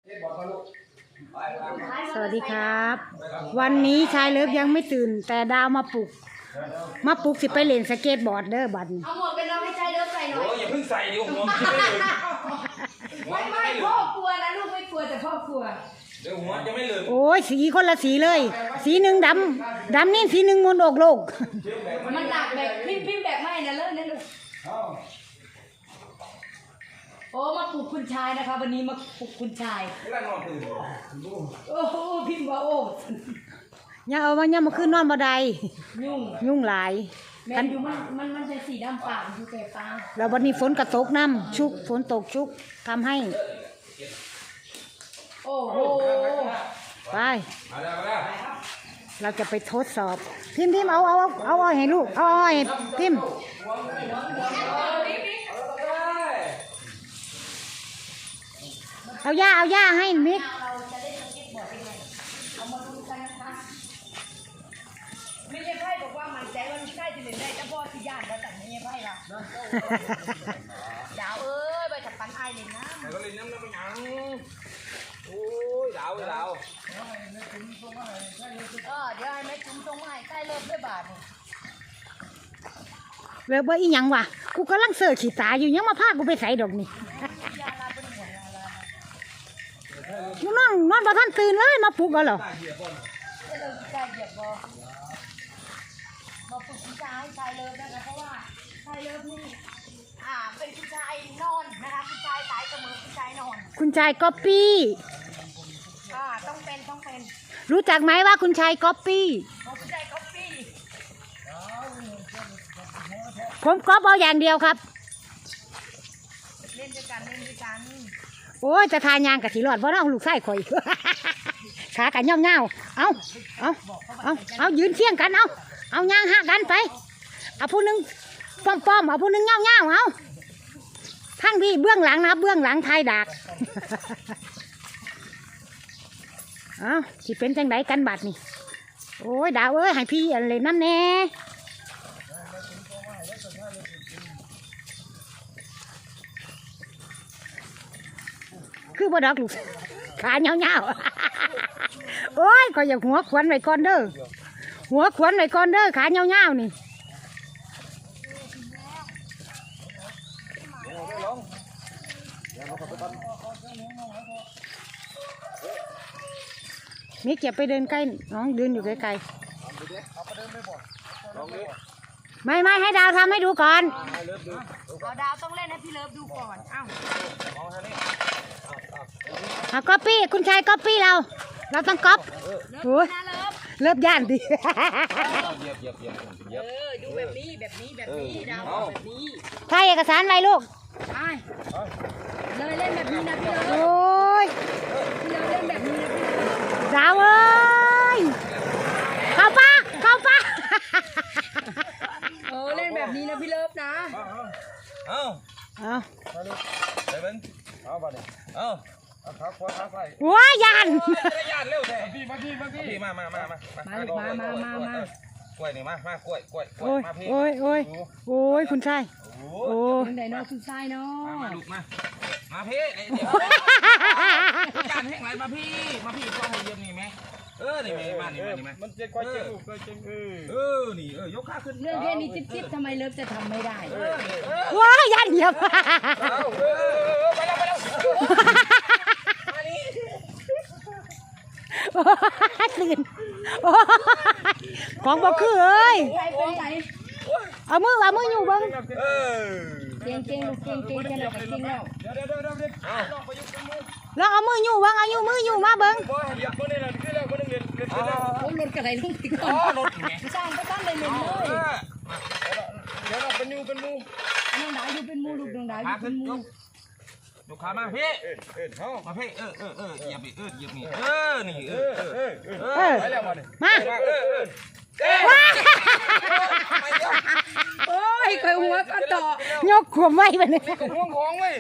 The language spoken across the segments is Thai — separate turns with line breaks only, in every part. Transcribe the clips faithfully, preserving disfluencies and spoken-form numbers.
สวัสดีครับวันนี้ชายเลิฟยังไม่ตื่นแต่ดาวมาปลุกมาปลุกสิไปเล่นสเก็ตบอร์ดเด้อบัดนี้
เอาหมวกกันน็อกให้ชายเลิฟใส่หน่อย
โอ้ยอย่าเพิ่งใส่ดิผมหัวไม่เลย
ไม่ไม่พ่อกลัวนะลูกไม่กลัวแต่พ่อกลัว
เดี๋ยวหัวจะไม่เลย
โอ้ยสีคนละสีเลยสีหนึ่งดำดำนี่สีหนึ่งมนต์อกโลก
มันหนักแบบพิมพ์พิมพ์แบบไม่นะเลิศนะลูกโอ้มาปลุกคุณชายนะคะวันนี้มาปลุกคุณชาย
ไม่ได้นอนตื่น
โอ้โหพิมพ์ว่าโอ้
อย่าเอามาอย่ามาขึ้นนอนบ่ได้
ยุ่ง
ยุ่งหลาย
แม่อยู่มันมันมันเป็นสีดำปากอยู่แต่ปาก
แล้ววันนี้ฝนกระตกน้ำชุกฝนตกชุกทำให้
โอ้โห
ไปเราจะไปทดสอบพิมพ์พิมพ์เอาเอาเอาเอาให้ลูกเอาเอาให้พิมพ์เอาย่าเอาย่าให้มิก
เราจะได้สเก็ตบอร์ดยังไงเอามาดูกันนะคะไม่ใช่ไพ่บอกว่ามันใจว่ามันใกล้จะเล่นได้แต่พ่อที่ย่านแล้วแต่ไม่ใช่ไพ่ละดาวเอ้ยไปจับปันไอเลยนะ
แต่ก็เล่นน้ำน้ำมันยังโอ้ยดาวดาว
เออเดี๋ยวให้แม่จุ๋มส่งมาให้ใกล้เลิฟด้วยบาท
เลิฟว่าอีหยังวะกูกำลังเสิร์ชขีตาอยู่ยังมาพากูไปใส่ดอกนี่มึงนอนนอนบ่ทันตื่นเลยมาปลุกเอาเหรอ
เลิฟใจเหยียบบอมาปลุกผู้ชายชายเลิฟนะคะเพราะว่าชายเลิฟนี่อ่าเป็นผู้ชายนอนนะคะผู้ชายสายเสมอผู้ชายนอน
คุณชายก๊อปปี้
อ่าต้องเป็นต้องเป็น
รู้จักไหมว่าคุณชายก๊อปปี้
ผู้ชายก๊อปปี้
ผมก๊อปเอาอย่างเดียวครับ
เล่นด้วยกันเล่นด้วยกัน
โอ้ยจะทานยางกับสีหลอดเพราะเราลูกไส้ข่อยขากันย่อมเงาเอาเอาเอาเอายืนเที่ยงกันเอาเอายางหักกันไปเอาผู้นึงป้อมป้อมเอาผู้นึงเงาเงาเอาทั้งพี่เบื้องหลังนะเบื้องหลังไทยดักเอาสิเป็นจังไดกันบัดนี่โอ้ยดาวเอ้ยให้พี่อะไรน้ำแน่คือบ่ดอกลูกขาเงาเงาโอ้ยก็อย่าหัวขวัญไว้ก่อนเด้อหัวขวัญไว้ก่อนเด้อขาเงาเงานี่มิกอย่าไปเดินใกล้น้องเดินอยู่ไกลๆไม่ไม่ให้ดาวทำให้ดูก่อน
เอาดาวต้องเล่นให้พี่เลิฟดูก่อนอ้าว
เอาก๊อปปี้คุณชายก๊อปปี้เราเราต้องก๊อปโอ้ยเลิฟย่านดิ
เออดูแบบนี้แบบนี้แบบนี้ดาวแบบนี้
ถ่ายเอกสารไว้ลูก
ใช่เลยเล่นแบบนี้นะพี่เลิฟ
โอ้ย
พี่เลิฟเล่นแบบนี้นะพี่เลิฟ
ดาวเอ้ยเข้าป้าเข้าป้า
เออเล่นแบบนี้นะพี่เลิฟนะ
เอา
เอา
ไปเป็นเอาไปเลยเอาขาขวาขาซ้าย
ว้ายัน
ยันเร็วแท้พี่มาพี่มาพี่มามามามา
มามามามา
กล้วยนี่มามากล้วยกล้วย
โอ้ยโอ้ยโอ้ยโอ้ยคุณชาย
โอ้ยไดโนคุณชายเนาะ
มาลูกมามาพี่เดี๋ยวจานแห้งไหลมาพี่มาพี่ก็ให้เยี่ยมนี่ไหมเออนี่ไหมมานี่มานี่ไหม
มันเจ๊ก้อยเจ๊ลูกก้อยเจ๊เออ
เออนี่เออยกขาขึ้น
เรื่องแค่นี้จิ๊บๆทำไมเลิฟจะทำไม่ได้
ว้ายันเหยียบ
ไปแล้วไปแล้ว
ตื่นของบ่คือเอ้ยเอามือเอามืออยู่บ้าง
เก่งเก่งลูกเก่งเก่งแค่ไหนก็เก่งแล้ว
เดี๋ยวเดี๋ยวเดี๋ยวเดี๋ยว
แล้วเอามืออยู่บ้างเอาอยู่มืออยู่มาเบิ้ง
โ
อ้รถกระไรลูกก่อนสร้างก็ตั้งเลยเลย
เดี๋ยวเราเป็นมูเป็นมู
น้องดาวอยู่เป็นมูลูกน้องดาวอยู่เป็นมู
ลูกค้ามาพี่มาพี่เออเออเออเหยียบเออเหยียบนี่เออนี่เออเออเออไปแล้วมาดิ
มา
เออเออ
โอ้ยเคยหัวก็ต่
อยกขวบไว้แบบนี้
ห่วงของไว้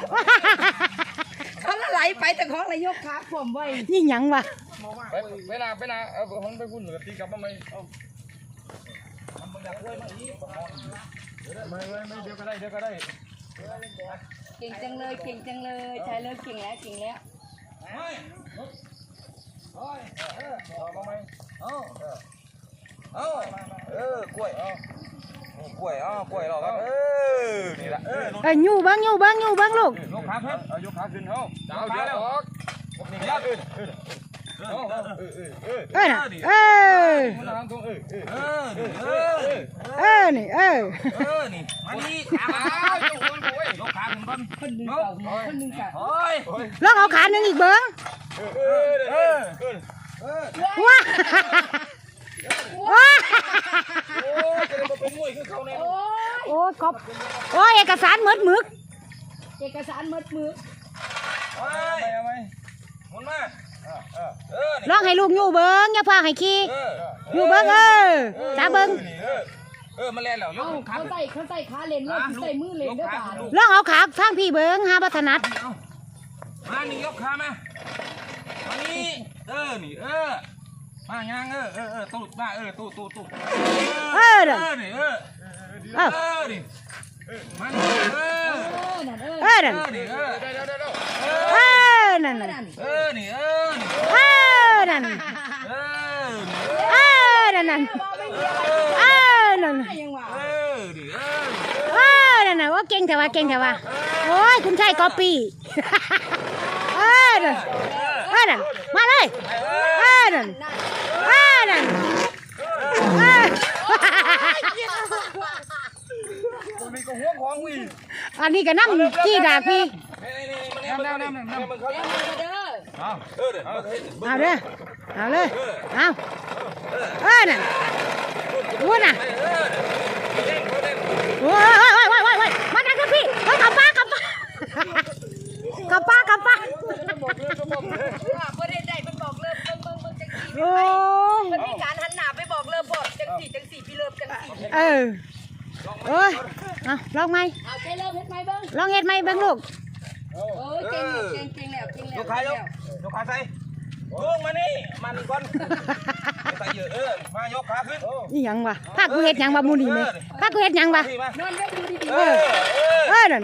เขาละไหลไปแต่ของอะไรยกขาขวบไว้
ยิ่งยังวะ
เวลาเวลาเอาของไปพุ่นหรือตีกลับมาไหมเอามันอยากเลยมาอีกไม่ไม่ไม่เดี๋ยวก็ได้เดี๋ยวก็ได้
เก่งจังเลยเก่งจังเลยชายเลิฟเก่งแล้วเก่งแล้ว
กล้วยเอากล้วยเอากล้วยเราครับเออนี่ละเออ
เอ้ยอยู่เบิ้งอยู่เบิ้งอยู่เบิ้งลูก
ยกขาขึ้นเอายกขาขึ้นเอาเอาเดี๋ยวออกนี่ยัดเออเออเออเออเออเออ
เอ้ยน่ะเออ
มันทางตรงเออเออเออเออ
เออนี่เออ
เออนี่มานี่ขาเอายกคนโอ้ยยกขาขึ้นก่อนคนนึงคนนึงกันโอ้ย
ลองเอาขาหนึ่งอีกเบิ้ง
เออเออเออเออ
ว้าว้า
โอ้ยจะได้มาเป็นมวยคือเขาเนี่ย
โอ้ย
โอ้ยกบโอ้ยเอกสารหมดหมึก
เอกสารมัดมือ
เอาไหมเอาไหมหมุนมาเออเออ
ลองให้ลูกอยู่เบิ้งอย่าพาให้ขี้
เออ
อยู่เบิ้งเออจ้าเบิ้ง
เออเออมาเล่นแล้วย
เอา
กขา
เขาใส่เขาใส่ขาเลนแล้วใส่มือเลนด้วยป่า
ลองเอาขาทางพี่เบิ้งหาบัถนัด
มานี่ยกขามามานี่เออนี่เออมายังเออเออเออตู้มาเออตู้ตู้ตู้
เออเด้อ
เออนี่เออ
เออ
เออนี่มานี่เออ
เออนั่นเออ
เออนั่น
เออนี่เออได้ได้ได้
เออนั่นน่ะ
เออนี่เออนี่
เออนั่น
เออ
เออนั่นน่ะเออนั่น
ยังว่า
เออนี่เออ
เออนั่นน่ะว่าเก่งแต่ว่าเก่งแต่ว่าโอ้ยคุณชายกอปีเออนั่นเออนั่นมาเลยเออนั่นเออนั่นเออ
ตรงนี้ก็ห่วงของวี
อันนี้ก็น้ำจี้ดากพี่
นี่นี่นี่มันนี่มันนี่มันเขา
เด้อ
เอาเออเด้อเอา
เอาเด้อเอาเลยเอาเออนั่นพูดน่ะ
เออเด้งเขาเด้ง
โอ้ยโอ้ยโอ้ยโอ้ยโอ้ยมาดักกันพี่เฮ้ยกลับป้ากลับป้า กลับป้ากลับป้า
ว่าเพื่อนได้เป็นบอกเริ่มเบิ่งเบิ่งเบิ่งจังสี
โอ้ย
มันมีการหันหน้าไปบอกเริ่มบอกจังสีจังสีพี่เริ่มจังสี
เออโอ้ยเอาลองไหม
เอาใช้เริ่มเฮ็ดไหมเบิ่ง
ลองเฮ็ดไหมเบิ่งลูก
เออเก่งเก่งเก่งแล้วเก่งแล้ว
ยกขายกยกขาใส่ลงมานี่มันก่อนใส่เยอะเออมายกขาขึ้น
นี่หยังวะพากูเฮ็ดหยังวะมูนี่ไหมพากูเฮ็ดหยังวะ
ที่มาน
อนไว้ดูดี
เออเออ
เออนั่น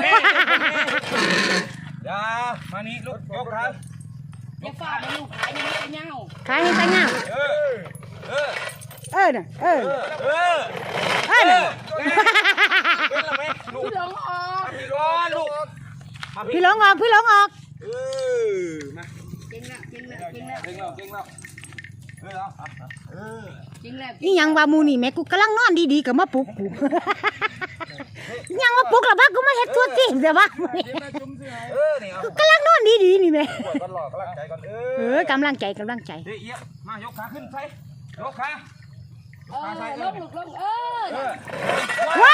อย่ามานี่ลูกยกขา
ๆอย่าฟาดให้ลูกขายยังไม่เงา
ขายให้ตาเงา
เออเออ
เออน่ะเออ
เออ
เออน่ะ
เป็นละไหมลูก
พี่หลงออก
พี่ร้อนลูก
พี่หลงออกพี่หลงออก
เออมา
เก่งแล้วเก่งแล้วเก่งแล้ว
เก่งแล้วเก่งแล้วเออเอาเออ
เก่งแล้ว
นี่หยังวะมูนี่แม่กูกำลังนอนดีๆก็มาปลุกกู ยังมาปลุกแล้วบ้ากูมาเฮ็ดตัวจริงเดี๋ยวบ้า
เออนี่เอา
กูกำลังนอนดีๆนี่แม่
ปวดกันหลอกกำลังใจก่อนเอ
เอ
อ
อกำลังใจกำลังใจ
เฮ้ยเอี้ยมายกขาขึ้นใส่ยกขา
เออลงลูกลงเออ
เออ
ว้า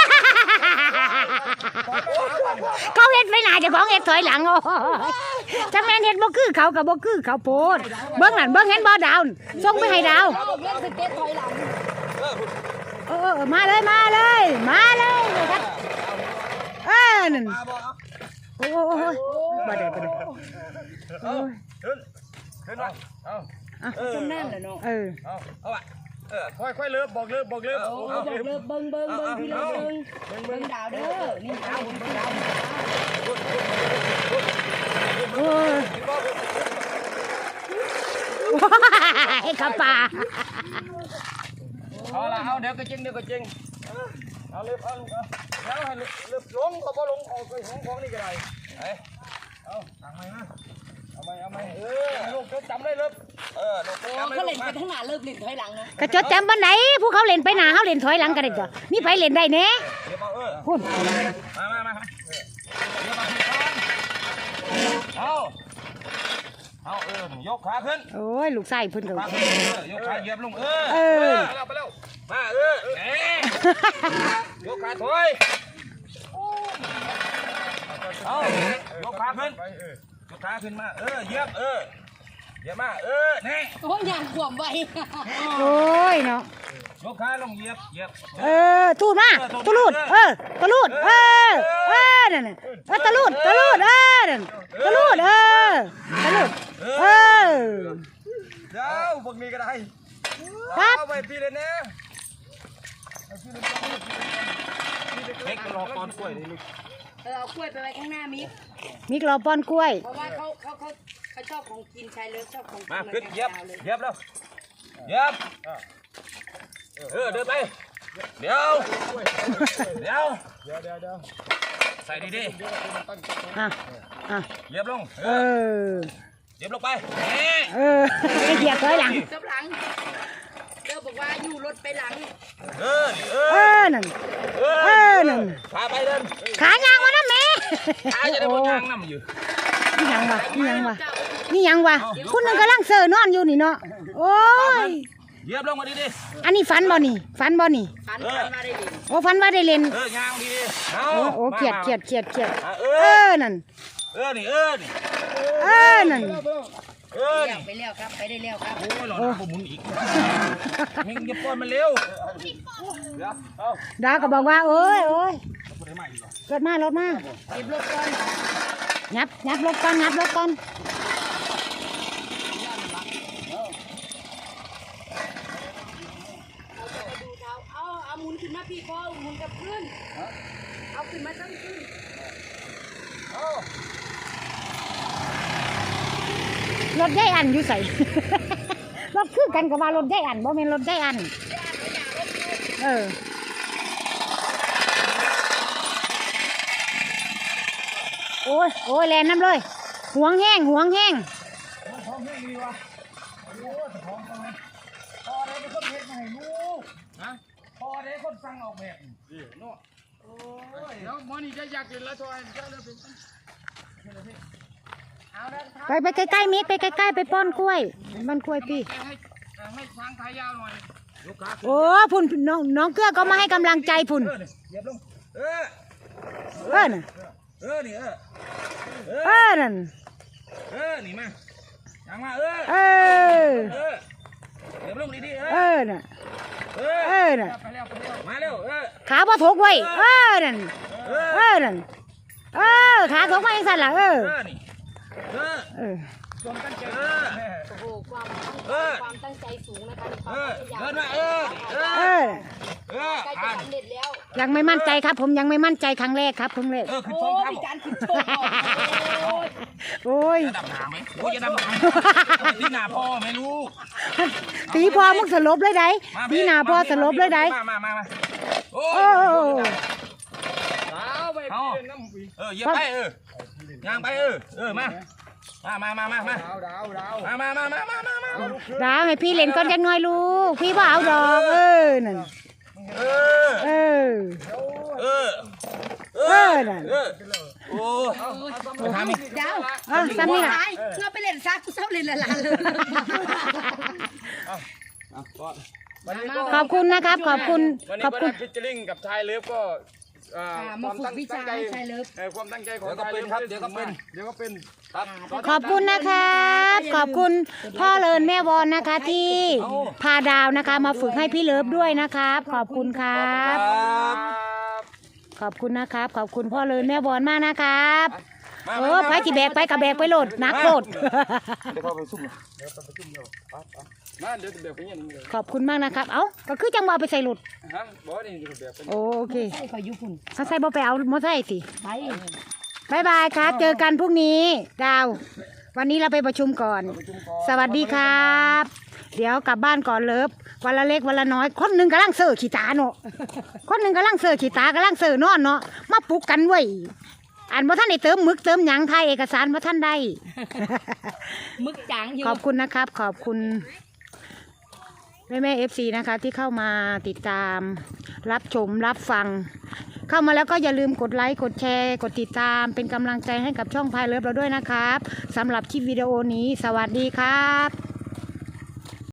เขาเฮ็ดไปหน้าเจ้าของเฮ็ดถอยหลังโอ้จังแม่นเฮ็ดบ่คือเขากับบ่คือเขาโพดเบิ่งนั่นเบิ่งเห็นบ่ดาวส่งไปให้ดาว
เอาเล่นสเก็ตถอยหลัง
เออเออมาเลยมาเลยมาเลยครับเออนั่น
มาบ่เอา
โอ้โหบ่ได้บ่ได้โอ้ย
ขึ้นขึ้นมาเอา
จนแน่นเลยเนาะ
เออ
เอาเอาอ่ะเออ
ค่อยค่อยเลิฟบอกเลิฟบอกเลิฟ
โอ้บอกเลิกเบิ่งเบิ่งเบิ่งพี่เลิกเบิ่งเบิ่งดาวเด้อนี่ดาวเบิ่งดาว
โอ้ยไอ้ข้าป่า
เอาละเอาเดี๋ยวก็จริงเดี๋ยวก็จริงเอาเล็บเอาลูกเอาแล้วให้เล็บลงก็บ่ลงออกไปของของนี่ก็ได้เอาทางไหนนะเอาไหมเอาไหมเออลูกจำได้เล็บเออลูก
โอ้
จำได้
เขา
ลู
เล่
ก
น
มา
ไปทั้งหน้าเลิกเล่นถอยหลังนะ
กระจดจำบันไหนผู้เขาเล่นไปหน้าเขาเล่นถอยหลังกันได้จ้ะมีไผเล่นได้แน่
เดี๋ยวเอาเออ
คุณ
มามามาเดี๋ยวมาที่ก่อนเอาเอาเออยกขาขึ้น
โอ้ยลูกไส้เพิ่นก็
ขาขึ้นเออยกขาเหยียบลงเออ
เออ
ไปแล้วไปแล้วมาเออแหมยกขาถอยเอายกขาขึ้นยกขาขึ้นมาเออเหยียบเออเหยียบมาเออแน่
โอ้ยอย่างขวมไว้
โอ้ยเนาะ
ยกขาลงเหยียบเหยียบ
เออทูดมาตะลูดเออตะลูดเออเออนั่นน่ะเออตะลูดตะลูดเออนั่นตะลูดเออตะลูดเออ
เดี๋ยวพวกนี้ก็ได้
ครับ
เอาไปพี่เลยนะเล็กรอก่อนกล้วยนี่ลูก
เออเอากล้วยไปไว้ข้างหน้ามิก
มีกรอบปอนกล้วย
เพราะว่าเขาเขาเขาเขาชอบของกินชายเลิฟชอบของกิน
มา
เหมือน
ขึ้น
กัน
เหยียบ
เลย
เหยียบแล้วเหยียบเออเดินไปเดี๋ยวเดี๋ยว
เดี๋ยวเดี๋ยวเดี๋ยว
ใส่ดีดี
อ่ะอ่ะ
ๆเหยียบลงเอ
เอ
อ
อ
เหยียบลงไปนี่
เออไม่เหยียบถอยหลัง
กำลังเด้อบอกว่าอยู่รถไปหลัง
เออเอ
เอ
อ
อนั่น
เอ
เออนั่น
พาไปเดิน
ขายางวะนะแม่
ขาจะได้บนยางน้ำอยู่
นี่ยังวะนี่ยังวะนี่ยังวะคุณนึงกำลังเซอร์นอนอยู่นี่เนาะโอ้ย
เหยียบลงมาดีดี
อันนี้ฟันบ่นี่ฟันบ่นี่
ฟันฟันมาได้ดิ
โอ้ฟันว่าได้เล่น
เออยางดีดีเอา
โอ้โอ้เขียดเขียดเขียดเขียด
เอ
เอ
อ
อนั่น
เออนี่เออนี่
เออนั่น
เออ
เลี้ย
นี่
วไปแล้วครับไปได้แล้วครับ
โอ้ยหลอดน้ำผมหมุนอีกมึงอย่าป้อนมันเร็วเดี๋ยวเอา
ดาวก็บอกว่าโอ้ยโอ้ย
คนไหนใหม่อีกเหรอ
รถมารถมา
เก็บรถก่อน
งับงับรถก่อนงับรถก่อน
เอาจะไปดูเท้าเอาเอาหมุนขึ้นมาพี่พ่อหมุนกับขึ้นเอาขึ้นมาตั้งขึ้น
รถได้อันอยู่ใส่ รถคือกันกับว่ารถได้อันบ่แม่นรถได้อันเออโอ้ยโอ้ยแลนน้ำเลยหวงแห้งหวงแห้ง
ท้องแห้งดีวะโอ้ยท้องทำไมพอได้เป็นคนเฮ็ดมาให้ลูกนะพอได้คนสั่งออกแบบนี่เนาะโอ้ย
แล้วหมอนี่จะอยากกินแล้วทอยจะเลิกเป็น
เอาแล้ว
ไปไปใกล้ๆมิกไปใกล้ๆไปป้อนกล้วยบ้านกล้วยพี่
ให้ให้ช้างขายาวหน่อย
ลูกค้า
โอ้พุ่นน้องน้องเกื้อก็มาให้กำลังใจพุ่น
เออนี่เหยียบลงเออ
เออน่ะ
เออนี่เออเอ
เอ
อ
อนั่น
เออนี่มาอย่างมาเออ
เออ
เออเหยียบลงดีๆเอ
เอ
อ
อน่ะ
เอ
เอ
อ
อน่ะ
ไปแล้วไปแล้ว
มาเร็วเออ
ขาบ่ถกไว้เออนั่น
เอ
เอ
อ
อนั่นเออขาถกมาอย่างสั่นล่ะเออ
เออนี่เออ
เออ
ความตั้งใจ
เออ
โอ้โหความตั้ง
เออ
ความตั้งใจสูงนะคะในควา
เอ
ม
อ
พยายาม
เดินมาเออเอ
เอ
อ
อ
เออ
ใกล้จะ
อ่าน
สำเร็จแล้ว
ยังไม่มั่นใจครับ ผมยังไม่มั่นใจครั้งแรกครับครั้งแรก
เออขึ้น
โอ้
สอง
มี
คำ
การขึ้นโชว์ก่อนโอ้ย
โอ้ย
จะดำน้ำไหมโอ้ยจะดำน้ำที่หน้าพ่อไม่รู้
ตีพอมึงสลบเลยได้ตีหน้าพอสลบเลยได้
มามามามาโอ้
โอ้
ย
สาวไปเป็นน้ำปี
เออเหยียบไปเออย่างไปเออเออมามามามามามา
ดาวดาวดาว
มามามามามามามา
ดาวให้พี่เล่นก่อนจังหน่อยลูกพี่บ่เอาดอกเออนั่น
เออ
เออ
เออ
เออนั่น
เออโอ้ไปทำอีก
ดาว
อ่ะซ้ำนี่ล่ะ
ไปเพื่อไปเล่นซักกูเศร้าเล่นละลานเลย
ขอบคุณนะครับ ขอบคุณ
วันนี้
ขอบ
ก็
คุ
ได้
ณ
ฟิชเชอร์ลิงกับชายเลิฟก็
มาฝึกวิชาให้ชายเลิฟ
ความตั้งใจของ
เดี๋ยวก็เป็นครับเดี๋ยวก็เป็น
เดี๋ยวก็เป็น
ครับ
ขอบคุณนะครับ ขอบคุณพ่อเลินแม่วอนนะคะที่พาดาวนะคะ มาฝึกให้พี่เลิฟด้วยนะครับ ขอบคุณครับ ขอบคุณนะครับ ขอบคุณพ่อเลินแม่วอนมากนะครับเออไปจีแบกไปกับแบกไปโหลดนักโหลด
เดี๋ยวเข้าไปซุ่มเลย
มาเดี๋ยวจะแบบเป็นอย่างนี้เลย
ขอบคุณมากนะครับ เอ้าก็คือจังหวะไปใส่หลุด
ฮะบอกนี่จะแบบเป็น
โอโอเค
ใช่ขอยุคุณ
ถ้าใส่บ่ไปเอามอไซค์สิ
ไป
บายบายครับ เจอกันพรุ่งนี้ ดาว วันนี้เราไปประชุมก่อน สวัสดีครับ เดี๋ยวกลับบ้านก่อนเลิฟวันละเล็กวันละน้อย คนหนึ่งกำลังเสิร์ขี้ตาเนาะคนหนึ่งกำลังเสิร์ขี้ตากำลังเสิร์นอนเนาะมาปลุกกันไว้ยอ่านว่าท่านได้เติมหมึกเติมหยังไทยเอกสารว่าท่านได้
มึกจางอยู่
ขอบคุณนะครับ ขอบคุณแม่แม่เอฟซีนะคะ ที่เข้ามาติดตาม รับชมรับฟัง เข้ามาแล้วก็อย่าลืมกดไลค์กดแชร์กดติดตาม เป็นกำลังใจให้กับช่องพายเลิฟเราด้วยนะครับสำหรับคลิปวิดีโอนี้ สวัสดีครับ